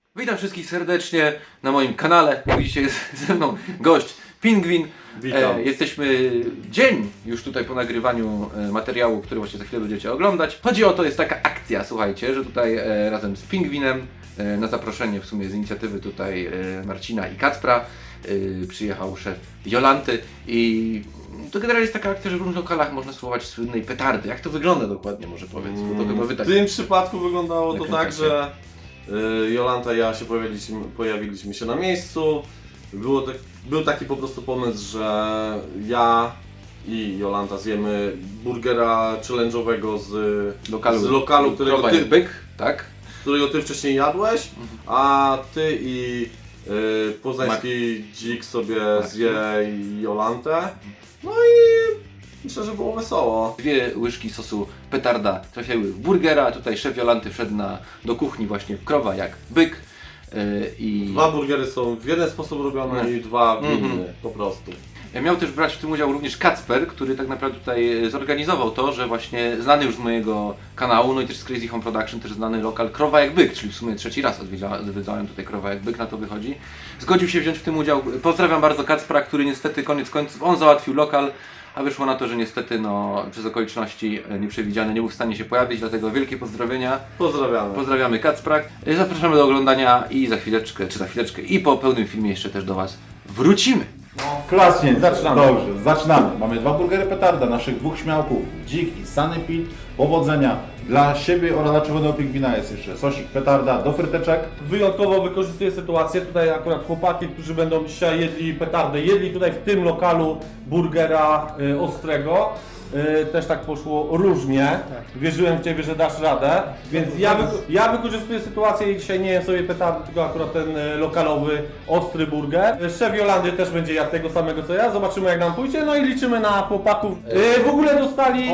Witam wszystkich serdecznie na moim kanale. Jak widzicie, jest ze mną gość Pingwin. Witam. Jesteśmy dzień już tutaj po nagrywaniu materiału, który właśnie za chwilę będziecie oglądać. Chodzi o to, jest taka akcja, słuchajcie, że tutaj razem z Pingwinem na zaproszenie w sumie z inicjatywy tutaj Marcina i Kacpra przyjechał szef Jolanty i to generalnie jest taka akcja, że w różnych lokalach można spróbować słynnej petardy. Jak to wygląda dokładnie, może powiedz, bo to chyba wy W tak... tym przypadku wyglądało to tak, nakręcacie. że Jolanta i ja się pojawiliśmy się na miejscu. Był taki po prostu pomysł, że ja i Jolanta zjemy burgera challenge'owego z lokalu, którego ty wcześniej jadłeś, a ty i poznański dzik sobie zje Jolantę. No i myślę, że było wesoło. 2 łyżki sosu petarda trafiały w burgera, a tutaj szef Jolanty wszedł do kuchni właśnie w krowa jak byk. I 2 burgery są w jeden sposób robione i 2 w inny, po prostu. miał też brać w tym udział również Kacper, który tak naprawdę tutaj zorganizował to, że właśnie znany już z mojego kanału, no i też z Crazy Home Production, też znany lokal Krowa jak Byk, czyli w sumie 3. raz odwiedzałem tutaj Krowa jak Byk, na to wychodzi. Zgodził się wziąć w tym udział. Pozdrawiam bardzo Kacpra, który niestety koniec końców, on załatwił lokal, a wyszło na to, że niestety no, przez okoliczności nieprzewidziane nie był w stanie się pojawić, dlatego wielkie pozdrowienia. Pozdrawiamy. Pozdrawiamy Kacpra. Zapraszamy do oglądania i za chwileczkę i po pełnym filmie jeszcze też do Was wrócimy. Klaśnie, Zaczynamy. Dobrze, zaczynamy. Mamy 2 burgery petarda, naszych 2 śmiałków, Dzik i Sunny Pete. Powodzenia dla siebie oraz dla czerwonego pingwina jest jeszcze sosik petarda do fryteczek. Wyjątkowo wykorzystuję sytuację, tutaj akurat chłopaki, którzy będą dzisiaj jedli petardę, jedli tutaj w tym lokalu burgera ostrego. Też tak poszło różnie. Wierzyłem w Ciebie, że dasz radę, więc ja wykorzystuję sytuację i dzisiaj nie jem sobie petardy, tylko akurat ten lokalowy, ostry burger. Szef Jolandy też będzie jadł tego samego co ja, zobaczymy jak nam pójdzie, no i liczymy na chłopaków. W ogóle dostali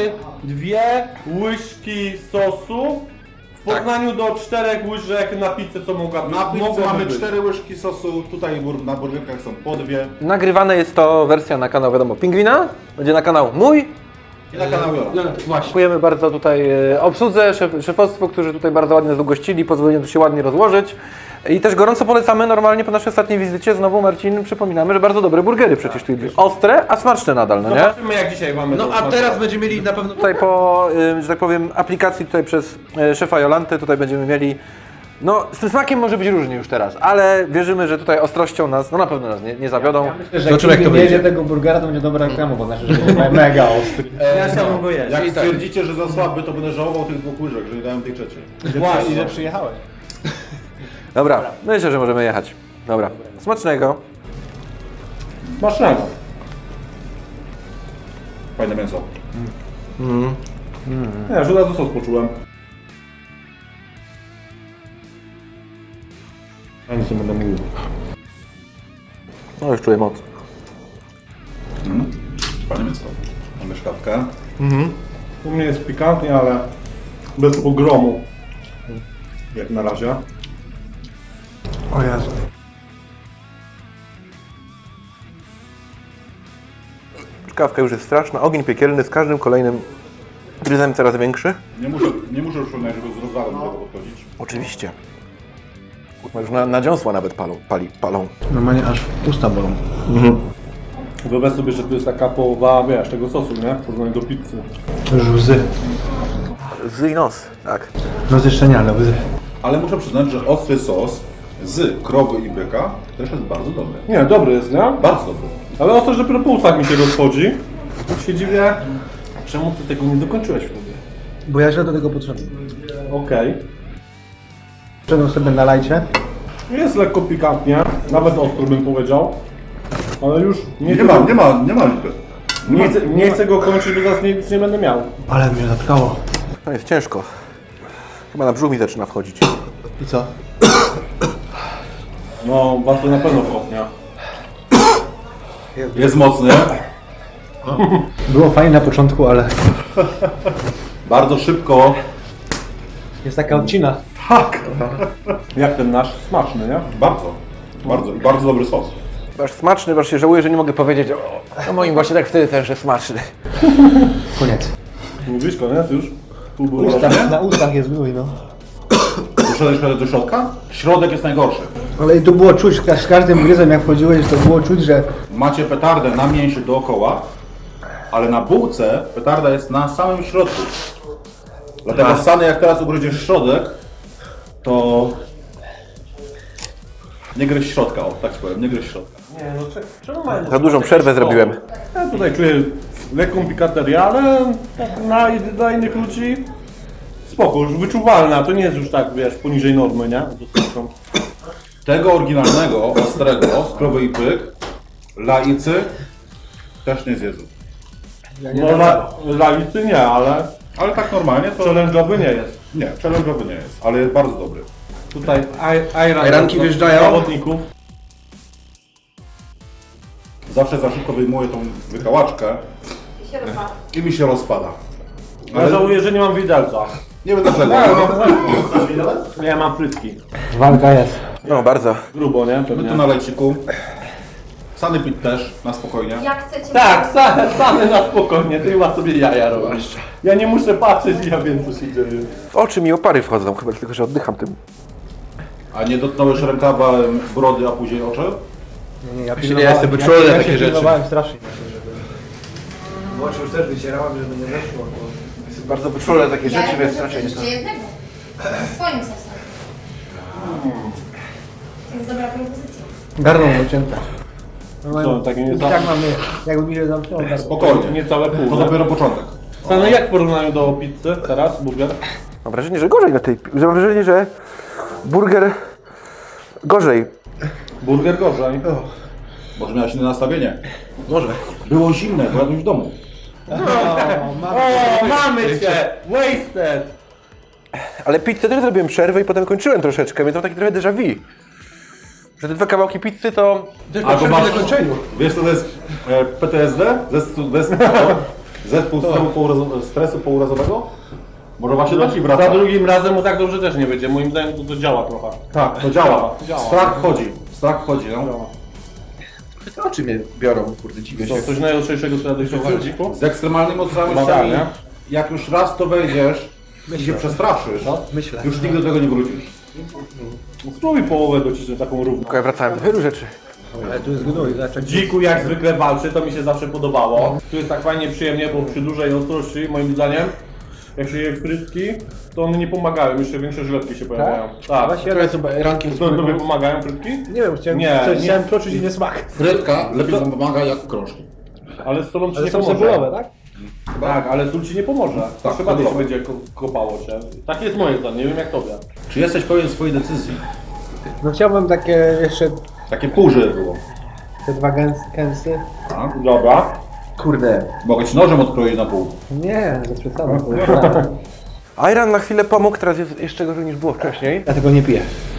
2 łyżki sosu. W porównaniu do 4 łyżek na pizzę, co mogłaby Na pizzę mogłoby mamy być. 4 łyżki sosu, tutaj na burgerkach są po 2 Nagrywane jest to wersja na kanał, wiadomo, Pingwina, będzie na kanał mój. i na kanał Jolanty. Dziękujemy bardzo tutaj obsłudze, szefostwu, którzy tutaj bardzo ładnie nas ugościli, pozwolili tu się ładnie rozłożyć. I też gorąco polecamy normalnie po naszej ostatniej wizycie, znowu Marcin, przypominamy, że bardzo dobre burgery przecież tu jedli. Ostre, a smaczne nadal, no nie? Zobaczymy jak dzisiaj mamy No to a smakować. teraz będziemy mieli na pewno tutaj po, że tak powiem, aplikacji tutaj przez szefa Jolanty, tutaj będziemy mieli, no z tym smakiem może być różnie już teraz, ale wierzymy, że tutaj ostrością nas, no na pewno nas nie zawiodą. Że jak nie jedzie tego burgera, to będzie dobra reklama, bo znaczy, że będzie mega ostry. Ja chciałbym go jeść. Jak stwierdzicie, że za słaby, to będę żałował tych 2 łyżek, że nie dałem tej trzeciej. Właśnie, że przyjechałeś. Dobra, myślę, że możemy jechać. Dobra, smacznego. Smacznego. Fajne mięso. Ja już od razu sos poczułem. Ja nic nie będę mówił. No już czuję moc. Fajne mięso. Mamy szkawkę. U mnie jest pikantnie, ale bez pogromu. Jak na razie. O Jezu. Czkawka już jest straszna, ogień piekielny z każdym kolejnym gryzem coraz większy. Nie muszę już żeby z rozwału do tego podchodzić. Oczywiście. Już na dziąsła nawet palą. Normalnie aż usta bolą. Wyobraź sobie, że tu jest taka połowa, wiesz, tego sosu, nie? W porównaniu do pizzy. To już łzy. Łzy i nos, tak. No jeszcze nie, ale łzy. Ale muszę przyznać, że ostry sos z krowy i byka też jest bardzo dobry. Nie, dobry jest, nie? Bardzo dobry. Ale ostro, że dopiero po ustach mi się rozchodzi. Tu się dziwię, czemu ty tego nie dokończyłeś wtedy? Bo ja źle do tego potrzebuję. Okej. Przedam sobie na lajcie. Jest lekko pikantnie, nawet ostro bym powiedział. Ale już Nie ma lipy. nie chcę go kończyć, bo zaraz nic nie będę miał. Ale mnie zatkało. No jest ciężko. Chyba na brzuch mi zaczyna wchodzić. I co? No, was to na pewno kopnia. Jest mocny. Było fajnie na początku, ale Bardzo szybko. jest taka odcina. Jak ten nasz, smaczny, nie? Bardzo. I bardzo dobry sos. Aż smaczny, aż się żałuję, że nie mogę powiedzieć o moim właśnie tak wtedy też, że smaczny. Koniec. Mówisz koniec już? Pół było Na ustach jest gnój, no. Doszedłeś do środka? Środek jest najgorszy. Ale tu było czuć, z każdym gryzem jak wchodziłeś, to było czuć, że Macie petardę na mięsie dookoła, ale na bułce petarda jest na samym środku. Dlatego Sany, jak teraz ugryziesz środek, to nie gryź środka, o tak powiem, nie gryź środka. Nie, no czemu mają... Za dużą przerwę zrobiłem. Ja tutaj czuję lekką pikaterię, ale tak dla innych ludzi spoko, już wyczuwalna, to nie jest już tak, wiesz, poniżej normy, nie? Zostawką. Tego oryginalnego, ostrego, z krowy i pyk, laicy też nie zjedzą. No lalicy nie, ale Ale tak normalnie to challenge'owy nie jest. nie, challenge'owy nie jest, ale jest bardzo dobry. Tutaj Ajranki wjeżdżają. zawodników. Zawsze za szybko wyjmuję tą wykałaczkę i mi się rozpada. Ja żałuję, że nie mam widelca. Nie wiem dlaczego. Ja mam frytki. walka jest. No bardzo. Grubo, nie? My Pewnie. tu na lejciku. Sany pit też, na spokojnie. Jak chcecie... Tak, same na spokojnie, ty chyba sobie jaja robisz. Ja nie muszę patrzeć i ja wiem, co się dzieje. W oczy mi opary wchodzą, chyba tylko, że oddycham tym. A nie dotknąłeś rękawa brody, a później oczy? Nie, ja Właśnie nie jestem wyczulony na takie rzeczy. pilnowałem strasznie, żeby... W oczy już też wycierałem, żeby nie weszło. Jestem bardzo wyczulony na takie Ja rzeczy, więc lubię raczej nie to. jeszcze jednego. Swoim sosem. To jest dobra propozycja. Garną ucięte. Co, takie niecałe, Tak mamy, jakby mi się zamknęło. tak. Spokojnie. niecałe pół. To nie? dopiero początek. Stany, jak w porównaniu do pizzy teraz, burger? Mam wrażenie, że gorzej na tej... Mam wrażenie, że burger gorzej. Burger gorzej. Może miałeś inne nastawienie. Może. Było zimne, bo jadłeś w domu. O, mamy cię! Wasted! Ale pizzę też zrobiłem przerwę i potem kończyłem troszeczkę, więc mam taki trochę déjà vu. Że te 2 kawałki pizzy to... Albo masz... Wiesz co to jest PTSD? Zespół stresu pourazowego? Może właśnie do ci Za wraca. drugim razem mu tak dobrze też nie będzie. Moim zdaniem to działa trochę. Tak, to działa. Działa. Strach wchodzi, no. Oczy mnie biorą, kurde, dziwię Co, coś najostrzejszego, co jadłeś w dziku? Z ekstremalnymi mocami, Tak, nie? jak już raz to wejdziesz i się przestraszysz, Myślę. już nigdy do tego nie wrócisz. Spróbuj połowę docisnąć taką równą. Ja wracałem do wielu rzeczy. Ale tu jest gnój, zaczek. Dziku jak zwykle walczy, to mi się zawsze podobało. Tu jest tak fajnie przyjemnie, bo przy dużej ostrości, moim zdaniem, jak się je frytki, to one nie pomagają, jeszcze większe żyletki się pojawiają. Tak. Właśnie ja Rankiem To tobie pomagają frytki? nie wiem, chciałem, Nie, coś, nie. chciałem poczuć inny smak. Frytka lepiej wam pomaga jak krążki. Ale z solą ci Ale nie są pomoże. cebulowe, tak? Tak, ale sól ci nie pomoże. Tak, Chyba bardziej się cebulowe. będzie kopało cię. Tak jest moje zdanie, nie wiem jak tobie. Czy jesteś pewien swojej decyzji? No chciałbym takie jeszcze Takie pół, żeby było. te dwa kęsy. Tak? Dobra. Kurde. Mogę ci nożem odkroić na pół. Nie, bez przesady. Ayran na chwilę pomógł, teraz jest jeszcze gorzej niż było wcześniej. Ja tego nie piję.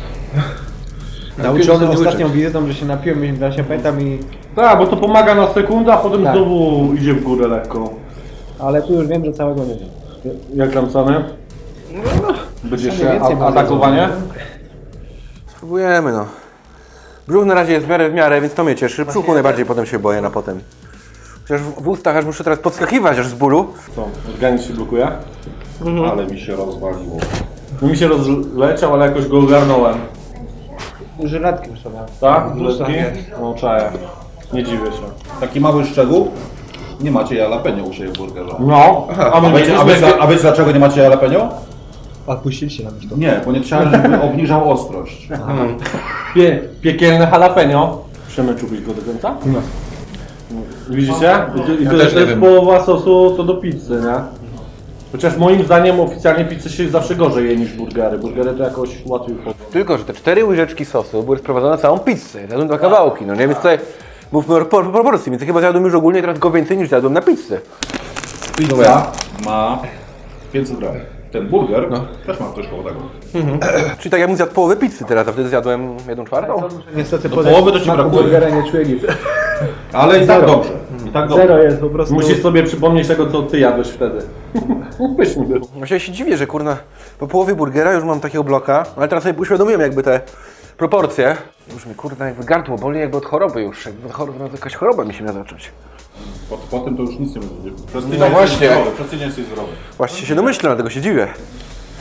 Nauczony ostatnią wizytą, że się napiłem, ja się pamiętam i... Tak, bo to pomaga na sekundę, a potem Tak. znowu idzie w górę lekko. Ale tu już wiem, że całego nie wiem. Jak tam Sany? Będzie Sany jeszcze więcej ma atakowanie? jedzenia. Spróbujemy, no. Brzuch na razie jest w miarę, więc to mnie cieszy. Brzuchu najbardziej potem się boję na potem. Chociaż w ustach aż muszę teraz podskakiwać aż z bólu. Co, organizm się blokuje? Ale mi się rozwaliło. No mi się rozleciał, ale jakoś go ogarnąłem. Żyletki już sobie. Tak? Dużo. Żyletki? No czaję. Nie dziwię się. Taki mały szczegół. Nie macie jalapeno u siebie w burgerze. No, A wiecie dlaczego nie macie jalapeno? Odpuściliście nam już to. Nie, bo nie chciałem, żeby obniżał ostrość. Piekielne jalapeno. Przemęczyłbyś go do końca? No. Widzicie? I to jest połowa sosu to do pizzy, nie? Chociaż moim zdaniem oficjalnie pizzy się zawsze gorzej je niż burgery. Burgery to jakoś łatwiej wchodzą. Tylko, że te 4 łyżeczki sosu były sprowadzone na całą pizzę. Zjadłem 2 kawałki, no nie? Więc tutaj mówmy o proporcji, więc ja chyba zjadłem już ogólnie teraz go więcej niż zjadłem na pizzę. Pizza ma 500 gram. Ten burger też ma coś koło tego. Czyli tak jakbym zjadł połowę pizzy teraz, a wtedy zjadłem 1/4. Niestety Do połowy to ci smaku brakuje. burgera nie czuję nic. Ale i tak dobrze. I tak dobrze. Zero jest po prostu. Musisz sobie przypomnieć tego, co ty jadłeś wtedy. Pyszny był. Właśnie się dziwię, że kurna, po połowie burgera już mam takiego bloka, ale teraz sobie uświadomiłem jakby te proporcje. Już mi kurna jakby gardło boli jakby od choroby już, jakby jakaś choroba mi się miała zacząć. Po tym to już nic nie będzie. Przez No właśnie. Przez tydzień jesteś zdrowy. Właśnie się domyślam, dlatego się dziwię.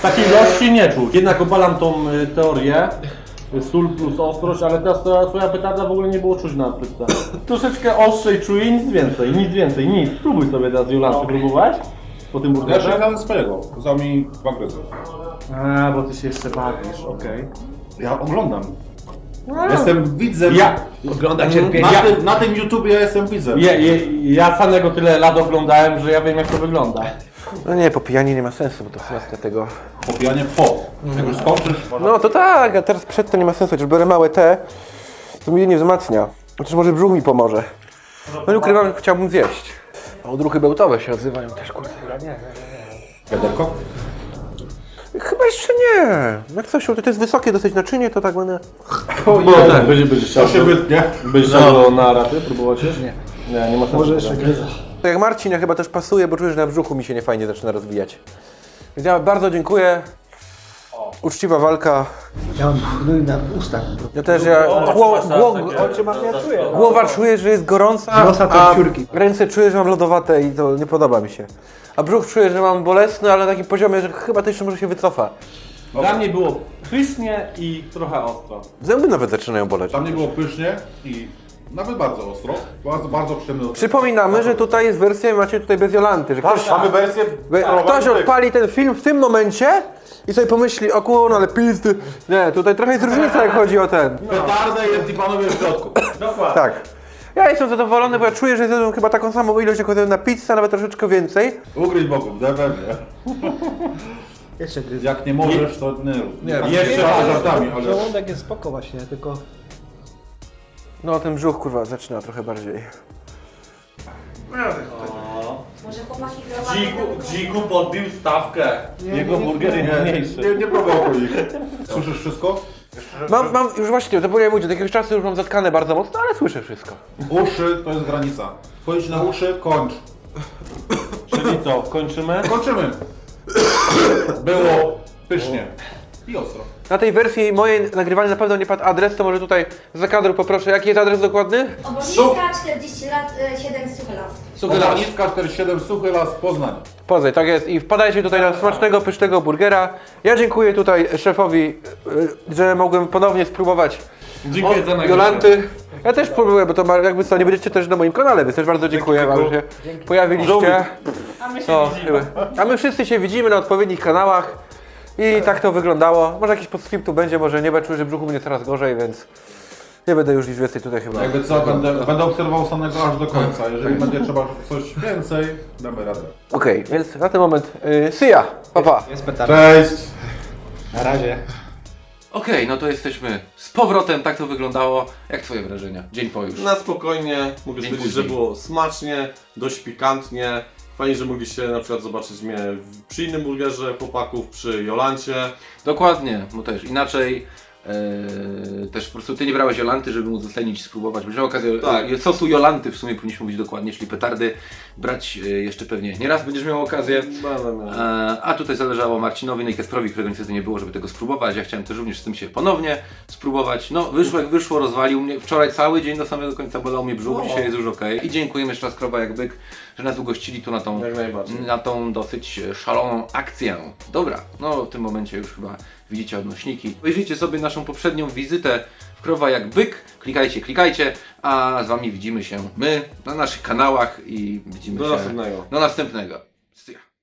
Takiej ilości nie czuć. Jednak obalam tą teorię. Sól plus ostrość, ale teraz ta twoja petarda w ogóle nie było czuć na płytce. Troszeczkę ostrzej czuję, nic więcej, nic. Spróbuj sobie teraz Jolanty, próbowałeś? Po tym Ja burgerze? czekałem swojego, kazał mi dwa gryzy. A, bo ty się jeszcze bawisz, okej. Ja oglądam. Jestem widzem. Ogląda Na tym YouTubie ja jestem widzem. Ja samego tyle lat oglądałem, że ja wiem jak to wygląda. No nie, popijanie nie ma sensu, bo to kwestia tego. Popijanie po. Jak już skończysz, No to tak, a teraz przed to nie ma sensu, chociaż biorę małe te, to mnie nie wzmacnia. Chociaż może brzuch mi pomoże. No nie ukrywam, że chciałbym zjeść. A odruchy bełtowe się odzywają też, kurde. wiaderko. Chyba jeszcze nie. Jak coś, to jest wysokie dosyć naczynie, to tak będę... No tak, będzie chciał. To się wytnie. Będziesz chciał na raty próbować? Nie ma sensu. Może jeszcze gryza. To jak Marcin, ja chyba też pasuje, bo czuję, że na brzuchu mi się niefajnie zaczyna rozwijać. Więc ja bardzo dziękuję. Uczciwa walka. Ja mam gnój na ustach. Ja też, głowa czuję, że jest gorąca, Nosa to a piórki. ręce czuję, że mam lodowate i to nie podoba mi się. A brzuch czuję, że mam bolesny, ale na takim poziomie, że chyba to jeszcze może się wycofa. Dla mnie było pysznie i trochę ostro. Zęby nawet zaczynają boleć. Tam nie było pysznie i nawet bardzo ostro. Bardzo przyjemny. Przypominamy, że tutaj jest wersja, macie tutaj bez Jolanty, że ktoś, Mamy wersję. ktoś odpali ten film w tym momencie i sobie pomyśli, o kurwa, ale pizdy. Nie, tutaj trochę jest różnica, jak chodzi o ten. Petardę i jedni panowie w środku. Tak. Ja jestem zadowolony, bo ja czuję, że zjadłem chyba taką samą ilość, jak jadłem na pizzę, nawet troszeczkę więcej. Ugryź bokiem, pewnie. Jeszcze gryza. Jak nie możesz, to nie rób. Nie, Jeszcze żartami, ale... Żołądek jest spoko właśnie, tylko... No ten brzuch kurwa zaczyna trochę bardziej. Może chłopaki Dziku podbił stawkę. Jego burger jest mniejszy. Nie prowokuj ich. Słyszysz wszystko? Mam już właśnie, to powiem mówić, od jakiegoś czasu już mam zatkane bardzo mocno, ale słyszę wszystko. Uszy to jest granica. Wchodzić na uszy, kończ. Czyli co, kończymy? Kończymy. Było pysznie. I ostro. Na tej wersji mojej nagrywania na pewno nie padł adres, to może tutaj za kadru poproszę, jaki jest adres dokładny? Oboliska 40 lat, 7 Suchy Las. Suchylacka 47, Suchy Las, Poznań. Poznań, tak jest. I wpadajcie tutaj na smacznego, pysznego burgera. Ja dziękuję tutaj szefowi, że mogłem ponownie spróbować Dziękuję za nagrodę. Jolanty. Ja też próbuję, bo to jakby co, nie będziecie też na moim kanale, więc też bardzo dziękuję wam, że się pojawiliście. A my wszyscy się widzimy na odpowiednich kanałach. I tak to wyglądało. Może jakiś postscriptu będzie, może nie, bo czuję, że brzuchu mnie coraz gorzej, więc nie będę już nic więcej tutaj chyba. Jakby co, będę obserwował samego aż do końca. Jeżeli będzie trzeba coś więcej, damy radę. Okej, więc na ten moment see ya, pa pa. Jest petarda. Cześć! Na razie. Okej, no to jesteśmy z powrotem, tak to wyglądało. Jak twoje wrażenia? Dzień po już. Na spokojnie, mogę Dzień stwierdzić, że później. było smacznie, dość pikantnie. Fajnie, że mogliście na przykład zobaczyć mnie przy innym burgerze chłopaków, przy Jolancie. Dokładnie, bo też inaczej. Też po prostu ty nie brałeś Jolanty, żeby móc ocenić, spróbować. Miałem okazję Tak. sosu Jolanty w sumie powinniśmy mówić dokładnie, czyli petardy brać jeszcze pewnie nie raz będziesz miał okazję. A tutaj zależało Marcinowi, no i Kasprowi, którego niestety nie było, żeby tego spróbować. Ja chciałem też również z tym się ponownie spróbować. No wyszło jak wyszło, rozwalił mnie. Wczoraj cały dzień do samego końca bolał mnie brzuch, dzisiaj jest już okej. I dziękujemy jeszcze raz Krowa jak byk, że nas ugościli tu Jak najbardziej. na tą dosyć szaloną akcję. Dobra, no w tym momencie już chyba widzicie odnośniki. Obejrzyjcie sobie naszą poprzednią wizytę w Krowa jak byk. Klikajcie, a z wami widzimy się my na naszych kanałach i widzimy Do się następnego. do następnego. See ya.